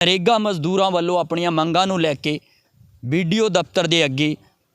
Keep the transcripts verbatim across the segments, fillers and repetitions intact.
ਨਰੇਗਾ ਮਜ਼ਦੂਰਾਂ ਵੱਲੋਂ ਆਪਣੀਆਂ ਮੰਗਾਂ ਨੂੰ ਲੈ ਕੇ ਵੀਡੀਓ ਦਫ਼ਤਰ ਦੇ ਅੱਗੇ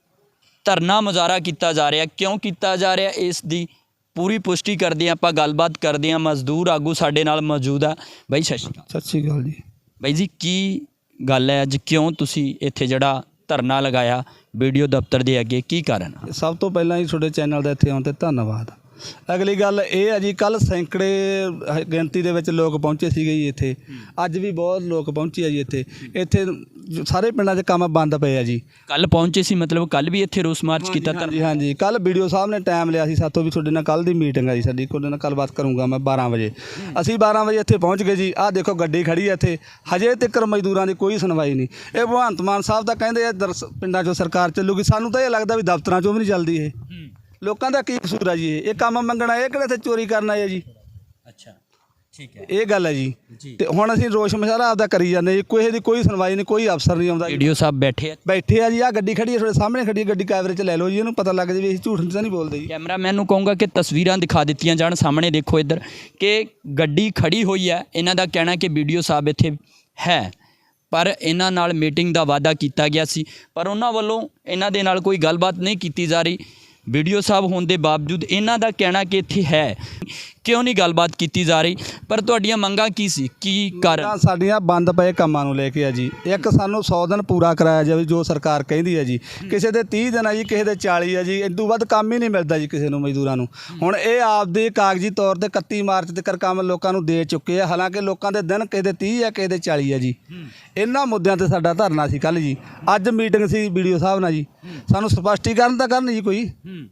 ਧਰਨਾ ਮੁਜ਼ਾਹਰਾ ਕੀਤਾ ਜਾ ਰਿਹਾ। ਕਿਉਂ ਕੀਤਾ ਜਾ ਰਿਹਾ ਇਸ ਦੀ ਪੂਰੀ ਪੁਸ਼ਟੀ ਕਰਦੇ ਆਪਾਂ, ਗੱਲਬਾਤ ਕਰਦੇ ਹਾਂ। ਮਜ਼ਦੂਰ ਆਗੂ ਸਾਡੇ ਨਾਲ ਮੌਜੂਦ ਆ। ਬਾਈ ਸਤਿ ਸ਼੍ਰੀ ਅਕਾਲ। ਸਤਿ ਸ਼੍ਰੀ ਅਕਾਲ ਜੀ। ਬਾਈ ਜੀ ਕੀ ਗੱਲ ਹੈ ਅੱਜ, ਕਿਉਂ ਤੁਸੀਂ ਇੱਥੇ ਜਿਹੜਾ ਧਰਨਾ ਲਗਾਇਆ ਵੀਡੀਓ ਦਫ਼ਤਰ ਦੇ ਅੱਗੇ, ਕੀ ਕਾਰਨ? ਸਭ ਤੋਂ ਪਹਿਲਾਂ ਜੀ ਤੁਹਾਡੇ ਚੈਨਲ ਦਾ ਇੱਥੇ ਆਉਣ 'ਤੇ ਧੰਨਵਾਦ। ਅਗਲੀ ਗੱਲ ਇਹ ਹੈ ਜੀ, ਕੱਲ੍ਹ ਸੈਂਕੜੇ ਗਿਣਤੀ ਦੇ ਵਿੱਚ ਲੋਕ ਪਹੁੰਚੇ ਸੀਗੇ ਜੀ ਇੱਥੇ। ਅੱਜ ਵੀ ਬਹੁਤ ਲੋਕ ਪਹੁੰਚੇ ਆ ਜੀ ਇੱਥੇ। ਇੱਥੇ ਸਾਰੇ ਪਿੰਡਾਂ 'ਚ ਕੰਮ ਬੰਦ ਪਏ ਆ ਜੀ। ਕੱਲ੍ਹ ਪਹੁੰਚੇ ਸੀ ਮਤਲਬ ਕੱਲ੍ਹ ਵੀ ਇੱਥੇ ਰੋਸ ਮਾਰਚ ਕੀਤਾ? ਹਾਂਜੀ ਹਾਂਜੀ, ਕੱਲ੍ਹ ਬੀ ਡੀ ਓ ਸਾਹਿਬ ਨੇ ਟਾਈਮ ਲਿਆ ਸੀ ਸਾਤੋਂ ਵੀ ਤੁਹਾਡੇ ਨਾਲ ਕੱਲ੍ਹ ਦੀ ਮੀਟਿੰਗ ਆ ਜੀ ਸਾਡੀ, ਤੁਹਾਡੇ ਨਾਲ ਗੱਲਬਾਤ ਕਰੂੰਗਾ ਮੈਂ ਬਾਰਾਂ ਵਜੇ। ਅਸੀਂ ਬਾਰਾਂ ਵਜੇ ਇੱਥੇ ਪਹੁੰਚ ਗਏ ਜੀ। ਆਹ ਦੇਖੋ ਗੱਡੀ ਖੜੀ ਹੈ ਇੱਥੇ, ਹਜੇ ਤੱਕ ਮਜ਼ਦੂਰਾਂ ਦੀ ਕੋਈ ਸੁਣਵਾਈ ਨਹੀਂ। ਇਹ ਭਗਵੰਤ ਮਾਨ ਸਾਹਿਬ ਤਾਂ ਕਹਿੰਦੇ ਆ ਪਿੰਡਾਂ 'ਚੋਂ ਸਰਕਾਰ ਚੱਲੂਗੀ, ਸਾਨੂੰ ਤਾਂ ਇਹ ਲੱਗਦਾ ਵੀ ਦਫ਼ਤਰਾਂ 'ਚੋਂ ਵੀ ਨਹੀਂ ਚੱਲਦੀ। ਇਹ ਲੋਕਾਂ ਦਾ ਕੀ ਕਸੂਰ ਆ ਜੀ? ਇਹ ਇਹ ਕੰਮ ਮੰਗਣਾ, ਇਹ ਕਿਹੜੇ ਇੱਥੇ ਚੋਰੀ ਕਰਨ ਆਏ ਜੀ? ਅੱਛਾ ਠੀਕ ਹੈ, ਇਹ ਗੱਲ ਹੈ ਜੀ। ਤੇ ਹੁਣ ਅਸੀਂ ਰੋਸ਼ ਮੁਜ਼ਾਹਰਾ ਆਪਦਾ ਕਰੀ ਜਾਂਦੇ ਜੀ, ਕੋਈ ਦੀ ਕੋਈ ਸੁਣਵਾਈ ਨਹੀਂ, ਕੋਈ ਅਫਸਰ ਨਹੀਂ ਆਉਂਦਾ। ਵੀਡੀਓ ਸਾਹਿਬ ਬੈਠੇ ਆ ਬੈਠੇ ਆ ਜੀ। ਆਹ ਗੱਡੀ ਖੜੀ ਹੈ ਤੁਹਾਡੇ ਸਾਹਮਣੇ ਖੜੀ ਹੈ ਗੱਡੀ, ਕੈਮਰੇ 'ਚ ਲੈ ਲਓ ਜੀ, ਇਹਨੂੰ ਪਤਾ ਲੱਗ ਜਾਵੇ ਅਸੀਂ ਝੂਠ ਤਾਂ ਨਹੀਂ ਬੋਲਦੇ ਜੀ। ਕੈਮਰਾਮੈਨ ਨੂੰ ਕਹੂੰਗਾ ਕਿ ਤਸਵੀਰਾਂ ਦਿਖਾ ਦਿੱਤੀਆਂ ਜਾਣ। ਸਾਹਮਣੇ ਦੇਖੋ ਇੱਧਰ ਕਿ ਗੱਡੀ ਖੜੀ ਹੋਈ ਹੈ। ਇਹਨਾਂ ਦਾ ਕਹਿਣਾ ਕਿ ਵੀਡੀਓ ਸਾਹਿਬ ਇੱਥੇ ਹੈ, ਪਰ ਇਹਨਾਂ ਨਾਲ ਮੀਟਿੰਗ ਦਾ ਵਾਅਦਾ ਕੀਤਾ ਗਿਆ ਸੀ, ਪਰ ਉਹਨਾਂ ਵੱਲੋਂ ਇਹਨਾਂ ਦੇ ਨਾਲ ਕੋਈ ਗੱਲਬਾਤ ਨਹੀਂ ਕੀਤੀ ਜਾ ਰਹੀ। ਵੀਡੀਓ ਸਾਹਿਬ ਹੋਣ ਦੇ ਬਾਵਜੂਦ ਇਹਨਾਂ ਦਾ ਕਹਿਣਾ ਕਿ ਇੱਥੇ ਹੈ, ਕਿਉਂ ਨਹੀਂ ਗੱਲਬਾਤ ਕੀਤੀ ਜਾ ਰਹੀ? ਪਰ ਤੁਹਾਡੀਆਂ ਮੰਗਾਂ ਕੀ ਸੀ, ਕੀ ਕਾਰਨ? ਸਾਡੀਆਂ ਬੰਦ ਪਏ ਕੰਮਾਂ ਨੂੰ ਲੈ ਕੇ ਆ ਜੀ। ਇੱਕ ਸਾਨੂੰ ਸੌ ਦਿਨ ਪੂਰਾ ਕਰਾਇਆ ਜਾਵੇ ਜੋ ਸਰਕਾਰ ਕਹਿੰਦੀ ਹੈ ਜੀ। ਕਿਸੇ ਦੇ ਤੀਹ ਦਿਨ ਆ ਜੀ, ਕਿਸੇ ਦੇ ਚਾਲੀ ਆ ਜੀ। ਇਸ ਤੋਂ ਵੱਧ ਕੰਮ ਹੀ ਨਹੀਂ ਮਿਲਦਾ ਜੀ ਕਿਸੇ ਨੂੰ, ਮਜ਼ਦੂਰਾਂ ਨੂੰ। ਹੁਣ ਇਹ ਆਪਦੇ ਕਾਗਜ਼ੀ ਤੌਰ 'ਤੇ ਇਕੱਤੀ ਮਾਰਚ ਤੱਕ ਕੰਮ ਲੋਕਾਂ ਨੂੰ ਦੇ ਚੁੱਕੇ ਆ, ਹਾਲਾਂਕਿ ਲੋਕਾਂ ਦੇ ਦਿਨ ਕਿਸੇ ਦੇ ਤੀਹ ਆ, ਕਿਸੇ ਦੇ ਚਾਲੀ ਆ ਜੀ। ਇਹਨਾਂ ਮੁੱਦਿਆਂ 'ਤੇ ਸਾਡਾ ਧਰਨਾ ਸੀ ਕੱਲ੍ਹ ਜੀ। ਅੱਜ ਮੀਟਿੰਗ ਸੀ ਵੀਡੀਓ ਸਾਹਿਬ ਨਾਲ ਜੀ। ਸਾਨੂੰ ਸਪਸ਼ਟੀਕਰਨ ਤਾਂ ਕਰਨ ਜੀ ਕੋਈ।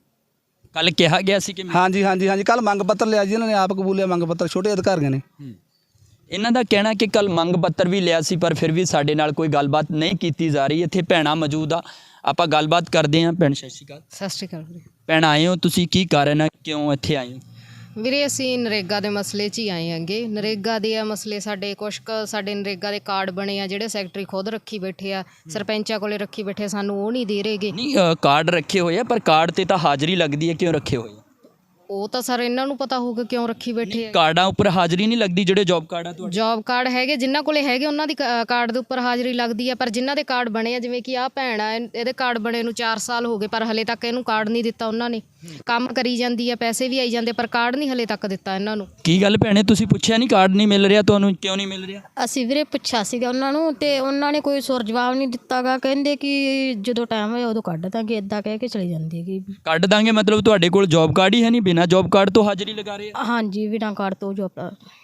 ਕੱਲ ਕਿਹਾ ਗਿਆ ਸੀ ਕਿ ਹਾਂਜੀ ਹਾਂਜੀ ਹਾਂਜੀ, ਕੱਲ ਮੰਗ ਪੱਤਰ ਲਿਆ ਜੀ ਇਹਨਾਂ ਨੇ, ਆਪ ਕਬੂਲਿਆ ਮੰਗ ਪੱਤਰ, ਛੋਟੇ ਅਧਿਕਾਰੀਆਂ ਨੇ। ਇਹਨਾਂ ਦਾ ਕਹਿਣਾ ਕਿ ਕੱਲ ਮੰਗ ਪੱਤਰ ਵੀ ਲਿਆ ਸੀ, ਪਰ ਫਿਰ ਵੀ ਸਾਡੇ ਨਾਲ ਕੋਈ ਗੱਲਬਾਤ ਨਹੀਂ ਕੀਤੀ ਜਾ ਰਹੀ। ਇੱਥੇ ਭੈਣਾਂ ਮੌਜੂਦ ਆ, ਆਪਾਂ ਗੱਲਬਾਤ ਕਰਦੇ ਹਾਂ। ਭੈਣ ਸਤਿ ਸ਼੍ਰੀ ਅਕਾਲ। ਸਤਿ ਸ਼੍ਰੀ ਅਕਾਲ ਵੀਰੇ। ਭੈਣ ਆਏ ਹੋ ਤੁਸੀਂ, ਕੀ ਕਾਰਨ ਹੈ, ਕਿਉਂ ਇੱਥੇ ਆਏ ਹੋ? ਵੀਰੇ ਅਸੀਂ ਨਰੇਗਾ ਦੇ ਮਸਲੇ 'ਚ ਹੀ ਆਏ ਹੈਗੇ। ਨਰੇਗਾ ਦੇ ਆ ਮਸਲੇ, ਸਾਡੇ ਕੁਛ ਕੁ ਸਾਡੇ ਨਰੇਗਾ ਦੇ ਕਾਰਡ ਬਣੇ ਆ ਜਿਹੜੇ ਸੈਕਟਰੀ ਖੁਦ ਰੱਖੀ ਬੈਠੇ ਆ, ਸਰਪੰਚਾਂ ਕੋਲੇ ਰੱਖੀ ਬੈਠੇ, ਸਾਨੂੰ ਉਹ ਨਹੀਂ ਦੇ ਰਹੇਗੇ। ਨਹੀਂ ਕਾਰਡ ਰੱਖੇ ਹੋਏ ਆ, ਪਰ ਕਾਰਡ ਤੇ ਤਾਂ ਹਾਜ਼ਰੀ ਲੱਗਦੀ ਹੈ, ਕਿਉਂ ਰੱਖੇ ਹੋਏ ਆ? ਉਹ ਤਾਂ ਸਰ ਇਹਨਾਂ ਨੂੰ ਪਤਾ ਹੋਊਗਾ ਕਿਉਂ ਰੱਖੀ ਬੈਠੇ ਆ। ਕਾਰਡਾਂ ਉੱਪਰ ਹਾਜ਼ਰੀ ਨਹੀਂ ਲੱਗਦੀ? ਜਿਹੜੇ ਜੌਬ ਕਾਰਡ ਆ ਤੁਹਾਡੇ? ਜੌਬ ਕਾਰਡ ਹੈਗੇ, ਜਿਨ੍ਹਾਂ ਕੋਲੇ ਹੈਗੇ ਉਹਨਾਂ ਦੀ ਕਾਰਡ ਦੇ ਉੱਪਰ ਹਾਜ਼ਰੀ ਲੱਗਦੀ ਆ, ਪਰ ਜਿਨ੍ਹਾਂ ਦੇ ਕਾਰਡ ਬਣੇ ਆ, ਜਿਵੇਂ ਕਿ ਆਹ ਭੈਣ ਆ, ਇਹਦੇ ਕਾਰਡ ਬਣੇ ਨੂੰ ਚਾਰ ਸਾਲ ਹੋ ਗਏ, ਪਰ ਹਲੇ ਤੱਕ ਇਹਨੂੰ ਕਾਰਡ ਨਹੀਂ ਦਿੱਤਾ ਉਹਨਾਂ ਨੇ। ਕੰਮ ਕਰੀ ਜਾਂਦੀ ਆ, ਪੈਸੇ ਵੀ ਆਈ ਜਾਂਦੇ, ਪਰ ਕਾਰਡ ਨਹੀਂ ਹਲੇ ਤੱਕ ਦਿੱਤਾ ਇਹਨਾਂ ਨੂੰ। ਕੀ ਗੱਲ ਭੈਣੇ, ਤੁਸੀਂ ਪੁੱਛਿਆ ਨਹੀਂ ਕਾਰਡ ਨਹੀਂ ਮਿਲ ਰਿਹਾ ਤੁਹਾਨੂੰ, ਕਿਉਂ ਨਹੀਂ ਮਿਲ ਰਿਹਾ? ਅਸੀਂ ਵੀਰੇ ਪੁੱਛਿਆ ਸੀਗਾ ਉਹਨਾਂ ਨੂੰ, ਤੇ ਉਹਨਾਂ ਨੇ ਕੋਈ ਸੁਰ ਜਵਾਬ ਨਹੀਂ ਦਿੱਤਾ ਗਾ। ਕਹਿੰਦੇ ਕਿ ਜਦੋਂ ਟਾਈਮ ਹੋਇਆ ਉਦੋਂ ਕੱਢ ਦਾਂਗੇ, ਇੱਦਾਂ ਕਹਿ ਕੇ ਚਲੀ ਜਾਂਦੀ ਹੈਗੀ। ਕੱਢ ਦਾਂਗੇ ਮਤਲਬ ਤੁਹਾਡੇ ਕੋਲ ਜੌਬ ਕਾਰਡ ਹੀ ਹੈ ਨਹੀਂ? ਬਿਨਾਂ ਜੌਬ ਕਾਰਡ ਤੋਂ ਹਾਜ਼ਰੀ ਲਗਾ ਰਹੇ ਆ? ਹਾਂਜੀ, ਬਿਨਾਂ ਕਾਰਡ ਤੋਂ ਜੋਬ।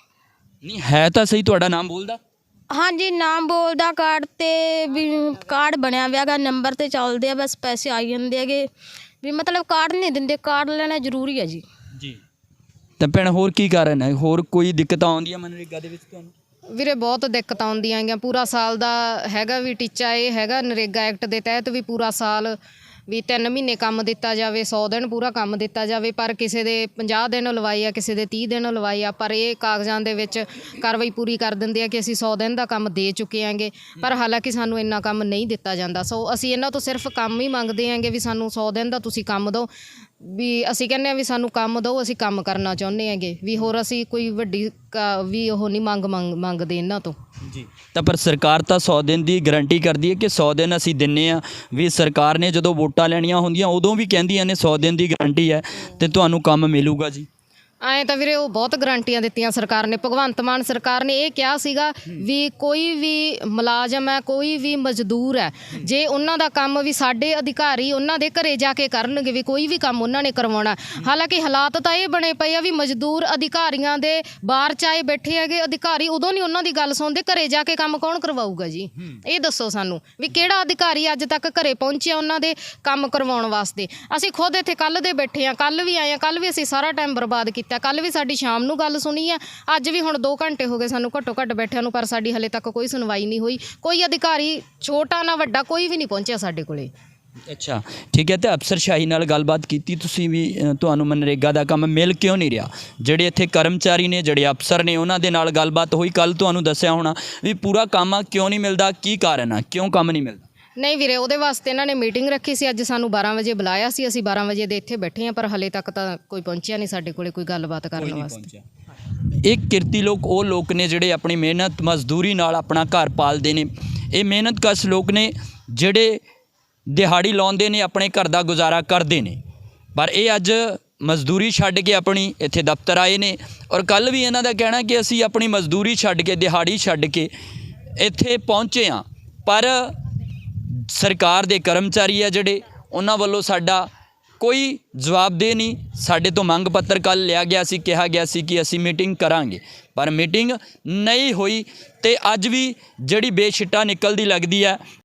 ਨਹੀਂ ਹੈ ਤਾਂ ਸਹੀ, ਤੁਹਾਡਾ ਨਾਮ ਬੋਲਦਾ? ਹਾਂਜੀ, ਨਾਮ ਬੋਲਦਾ ਕਾਰਡ 'ਤੇ ਵੀ, ਕਾਰਡ ਬਣਿਆ ਵਿਆ ਗਾ, ਨੰਬਰ 'ਤੇ ਚੱਲਦੇ ਆ, ਬਸ ਪੈਸੇ ਆਈ ਜਾਂਦੇ ਹੈਗੇ ਵੀ, ਮਤਲਬ ਕਾਰਡ ਨਹੀਂ ਦਿੰਦੇ। ਕਾਰਡ ਲੈਣਾ ਜ਼ਰੂਰੀ ਹੈ ਜੀ। ਜੀ ਤਾਂ ਭੈਣ ਹੋਰ ਕੀ ਕਾਰਨ ਹੈ, ਹੋਰ ਕੋਈ ਦਿੱਕਤ ਆਉਂਦੀ ਹੈ ਮਨਰੇਗਾ ਦੇ ਵਿੱਚ ਤੁਹਾਨੂੰ? ਵੀਰੇ ਬਹੁਤ ਦਿੱਕਤਾਂ ਆਉਂਦੀਆਂ ਹੈਗੀਆਂ। ਪੂਰਾ ਸਾਲ ਦਾ ਹੈਗਾ ਵੀ ਟੀਚਾ, ਇਹ ਹੈਗਾ ਨਰੇਗਾ ਐਕਟ ਦੇ ਤਹਿਤ ਵੀ ਪੂਰਾ ਸਾਲ ਵੀ ਤਿੰਨ ਮਹੀਨੇ ਕੰਮ ਦਿੱਤਾ ਜਾਵੇ, ਸੌ ਦਿਨ ਪੂਰਾ ਕੰਮ ਦਿੱਤਾ ਜਾਵੇ, ਪਰ ਕਿਸੇ ਦੇ ਪੰਜਾਹ ਦਿਨ ਲਵਾਈ ਆ, ਕਿਸੇ ਦੇ ਤੀਹ ਦਿਨ ਲਵਾਈ ਆ, ਪਰ ਇਹ ਕਾਗਜ਼ਾਂ ਦੇ ਵਿੱਚ ਕਾਰਵਾਈ ਪੂਰੀ ਕਰ ਦਿੰਦੇ ਆ ਕਿ ਅਸੀਂ ਸੌ ਦਿਨ ਦਾ ਕੰਮ ਦੇ ਚੁੱਕੇ ਆਂਗੇ, ਪਰ ਹਾਲਾਂਕਿ ਸਾਨੂੰ ਇੰਨਾ ਕੰਮ ਨਹੀਂ ਦਿੱਤਾ ਜਾਂਦਾ। ਸੋ ਅਸੀਂ ਇਹਨਾਂ ਤੋਂ ਸਿਰਫ ਕੰਮ ਹੀ ਮੰਗਦੇ ਆਂਗੇ ਵੀ ਸਾਨੂੰ ਸੌ ਦਿਨ ਦਾ ਤੁਸੀਂ ਕੰਮ ਦਿਓ। ਵੀ ਅਸੀਂ ਕਹਿੰਦੇ ਹਾਂ ਵੀ ਸਾਨੂੰ ਕੰਮ ਦਿਓ, ਅਸੀਂ ਕੰਮ ਕਰਨਾ ਚਾਹੁੰਦੇ ਹੈਗੇ ਵੀ, ਹੋਰ ਅਸੀਂ ਕੋਈ ਵੱਡੀ ਵੀ ਉਹ ਨਹੀਂ ਮੰਗ ਮੰਗ ਮੰਗਦੇ ਇਹਨਾਂ ਤੋਂ ਜੀ। ਤਾਂ ਪਰ ਸਰਕਾਰ ਤਾਂ ਸੌ ਦਿਨ ਦੀ ਗਰੰਟੀ ਕਰਦੀ ਹੈ ਕਿ ਸੌ ਦਿਨ ਅਸੀਂ ਦਿੰਦੇ ਹਾਂ ਵੀ। ਸਰਕਾਰ ਨੇ ਜਦੋਂ ਵੋਟਾਂ ਲੈਣੀਆਂ ਹੁੰਦੀਆਂ ਉਦੋਂ ਵੀ ਕਹਿੰਦੀਆਂ ਨੇ ਸੌ ਦਿਨ ਦੀ ਗਰੰਟੀ ਹੈ ਅਤੇ ਤੁਹਾਨੂੰ ਕੰਮ ਮਿਲੂਗਾ ਜੀ। ਐਂ ਤਾਂ ਵੀਰੇ ਉਹ ਬਹੁਤ ਗਰੰਟੀਆਂ ਦਿੱਤੀਆਂ ਸਰਕਾਰ ਨੇ। ਭਗਵੰਤ ਮਾਨ ਸਰਕਾਰ ਨੇ ਇਹ ਕਿਹਾ ਸੀਗਾ ਵੀ ਕੋਈ ਵੀ ਮੁਲਾਜ਼ਮ ਹੈ, ਕੋਈ ਵੀ ਮਜ਼ਦੂਰ ਹੈ, ਜੇ ਉਹਨਾਂ ਦਾ ਕੰਮ ਵੀ ਸਾਡੇ ਅਧਿਕਾਰੀ ਉਹਨਾਂ ਦੇ ਘਰੇ ਜਾ ਕੇ ਕਰਨਗੇ, ਵੀ ਕੋਈ ਵੀ ਕੰਮ ਉਹਨਾਂ ਨੇ ਕਰਵਾਉਣਾ। ਹਾਲਾਂਕਿ ਹਾਲਾਤ ਤਾਂ ਇਹ ਬਣੇ ਪਏ ਆ ਵੀ ਮਜ਼ਦੂਰ ਅਧਿਕਾਰੀਆਂ ਦੇ ਬਾਹਰ ਚਾਏ ਬੈਠੇ ਹੈਗੇ, ਅਧਿਕਾਰੀ ਉਦੋਂ ਨਹੀਂ ਉਹਨਾਂ ਦੀ ਗੱਲ ਸੁਣਦੇ, ਘਰੇ ਜਾ ਕੇ ਕੰਮ ਕੌਣ ਕਰਵਾਊਗਾ ਜੀ? ਇਹ ਦੱਸੋ ਸਾਨੂੰ ਵੀ ਕਿਹੜਾ ਅਧਿਕਾਰੀ ਅੱਜ ਤੱਕ ਘਰੇ ਪਹੁੰਚਿਆ ਉਹਨਾਂ ਦੇ ਕੰਮ ਕਰਵਾਉਣ ਵਾਸਤੇ? ਅਸੀਂ ਖੁਦ ਇੱਥੇ ਕੱਲ੍ਹ ਦੇ ਬੈਠੇ ਹਾਂ, ਕੱਲ੍ਹ ਵੀ ਆਏ ਹਾਂ, ਕੱਲ੍ਹ ਵੀ ਅਸੀਂ ਸਾਰਾ ਟਾਈਮ ਬਰਬਾਦ ਕੀਤਾ। ਕੱਲ੍ਹ ਵੀ ਸਾਡੀ ਸ਼ਾਮ ਨੂੰ ਗੱਲ ਸੁਣੀ ਆ, ਅੱਜ ਵੀ ਹੁਣ ਦੋ ਘੰਟੇ ਹੋ ਗਏ ਸਾਨੂੰ ਘੱਟੋ ਘੱਟ ਬੈਠਿਆਂ ਨੂੰ, ਪਰ ਸਾਡੀ ਹਲੇ ਤੱਕ ਕੋਈ ਸੁਣਵਾਈ ਨਹੀਂ ਹੋਈ। ਕੋਈ ਅਧਿਕਾਰੀ ਛੋਟਾ ਨਾ ਵੱਡਾ ਕੋਈ ਵੀ ਨਹੀਂ ਪਹੁੰਚਿਆ ਸਾਡੇ ਕੋਲੇ। ਅੱਛਾ ਠੀਕ ਹੈ। ਅਤੇ ਅਫਸਰਸ਼ਾਹੀ ਨਾਲ ਗੱਲਬਾਤ ਕੀਤੀ ਤੁਸੀਂ ਵੀ, ਤੁਹਾਨੂੰ ਮਨਰੇਗਾ ਦਾ ਕੰਮ ਮਿਲ ਕਿਉਂ ਨਹੀਂ ਰਿਹਾ? ਜਿਹੜੇ ਇੱਥੇ ਕਰਮਚਾਰੀ ਨੇ, ਜਿਹੜੇ ਅਫਸਰ ਨੇ, ਉਹਨਾਂ ਦੇ ਨਾਲ ਗੱਲਬਾਤ ਹੋਈ? ਕੱਲ੍ਹ ਤੁਹਾਨੂੰ ਦੱਸਿਆ ਹੋਣਾ ਵੀ ਪੂਰਾ ਕੰਮ ਆ, ਕਿਉਂ ਨਹੀਂ ਮਿਲਦਾ, ਕੀ ਕਾਰਨ ਆ, ਕਿਉਂ ਕੰਮ ਨਹੀਂ ਮਿਲਦਾ? ਨਹੀਂ ਵੀਰੇ, ਉਹਦੇ ਵਾਸਤੇ ਇਹਨਾਂ ਨੇ ਮੀਟਿੰਗ ਰੱਖੀ ਸੀ। ਅੱਜ ਸਾਨੂੰ ਬਾਰਾਂ ਵਜੇ ਬੁਲਾਇਆ ਸੀ, ਅਸੀਂ ਬਾਰਾਂ ਵਜੇ ਦੇ ਇੱਥੇ ਬੈਠੇ ਹਾਂ, ਪਰ ਹਲੇ ਤੱਕ ਤਾਂ ਕੋਈ ਪਹੁੰਚਿਆ ਨਹੀਂ ਸਾਡੇ ਕੋਲੇ ਕੋਈ ਗੱਲਬਾਤ ਕਰਨ ਵਾਸਤੇ। ਇਹ ਕਿਰਤੀ ਲੋਕ ਉਹ ਲੋਕ ਨੇ ਜਿਹੜੇ ਆਪਣੀ ਮਿਹਨਤ ਮਜ਼ਦੂਰੀ ਨਾਲ ਆਪਣਾ ਘਰ ਪਾਲਦੇ ਨੇ। ਇਹ ਮਿਹਨਤਕਸ਼ ਲੋਕ ਨੇ ਜਿਹੜੇ ਦਿਹਾੜੀ ਲਾਉਂਦੇ ਨੇ, ਆਪਣੇ ਘਰ ਦਾ ਗੁਜ਼ਾਰਾ ਕਰਦੇ ਨੇ। ਪਰ ਇਹ ਅੱਜ ਮਜ਼ਦੂਰੀ ਛੱਡ ਕੇ ਆਪਣੀ ਇੱਥੇ ਦਫ਼ਤਰ ਆਏ ਨੇ ਔਰ ਕੱਲ੍ਹ ਵੀ ਇਹਨਾਂ ਦਾ ਕਹਿਣਾ ਕਿ ਅਸੀਂ ਆਪਣੀ ਮਜ਼ਦੂਰੀ ਛੱਡ ਕੇ, ਦਿਹਾੜੀ ਛੱਡ ਕੇ ਇੱਥੇ ਪਹੁੰਚੇ ਹਾਂ। ਪਰ ਸਰਕਾਰ ਦੇ ਕਰਮਚਾਰੀ ਆ ਜਿਹੜੇ, ਉਹਨਾਂ ਵੱਲੋਂ ਸਾਡਾ ਕੋਈ ਜਵਾਬਦੇਹ ਨਹੀਂ। ਸਾਡੇ ਤੋਂ ਮੰਗ ਪੱਤਰ ਕੱਲ੍ਹ ਲਿਆ ਗਿਆ ਸੀ, ਕਿਹਾ ਗਿਆ ਸੀ ਕਿ ਅਸੀਂ ਮੀਟਿੰਗ ਕਰਾਂਗੇ, ਪਰ ਮੀਟਿੰਗ ਨਹੀਂ ਹੋਈ। ਅਤੇ ਅੱਜ ਵੀ ਜਿਹੜੀ ਬੇਸ਼ਿੱਟਾ ਨਿਕਲਦੀ ਲੱਗਦੀ ਹੈ